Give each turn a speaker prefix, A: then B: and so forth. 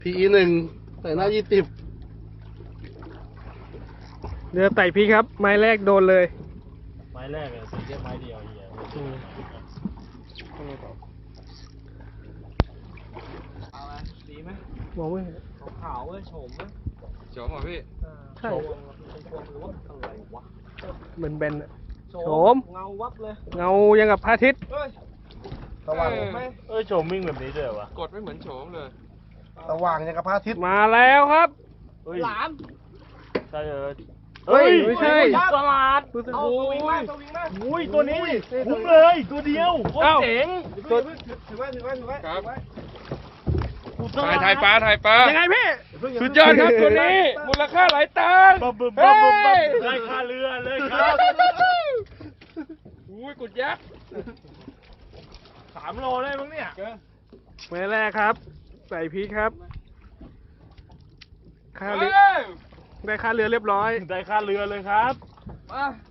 A: PE1 ใส่หน้า20
B: เรือไต่พี่ครับ ไม้แรกโดนเลย
C: ไม้แรกเลยใส่แค่ไม้เดียวเฮียเอาไหมดีไหม
B: มองไม่เห็น
C: ขาวๆเว้ยโฉมเว้ย
D: โฉมเหรอพี่
B: ใช่
C: โฉมหรือว่าอะไรวะ
B: เหมือนแบนอะ
C: โฉ
B: โฉม
C: เงาวับเลย
B: เงายังกับพระอาทิตย์
C: เฮ้ย
A: สว่าง
C: ไหม
D: โฉมวิ่งแบบนี้ด้วยวะกดไม่เหมือนโฉมเลย
A: สว่างอย่างกับพระอาทิตย์
B: มาแล้วครับ
C: หลาม
D: ใช่เลย
B: เฮ้ยไม่ใช่
C: ตลาด
B: รู้สึก
C: เอาสวิงมาสวิงมา
D: อุ้ยตัวนี้คุ้มเลยตัวเดียวโคตร
B: เอ้า
D: เจ๋ง
C: ถือไว้
D: ครับ
C: ถ่ายปลา
B: ยังไงพี่
D: สุดยอดครับตัวนี้มูลค่าหลายตังค์
C: บึ้มบึ้ม
D: เฮ้
C: บึ้มบึ้ม
D: ย
C: ได้ค่าเรือเลยครับ
D: อุ้ยกุดยักษ์
C: 3 โลได้มั้งเนี่ย
B: ไม้แรกครับ ใส่พีครับ ค่า
D: เฮ้
B: เรือย ได้ค่าเรือเรียบร้อย
C: ได้ค่าเรือเลยครับ
D: มา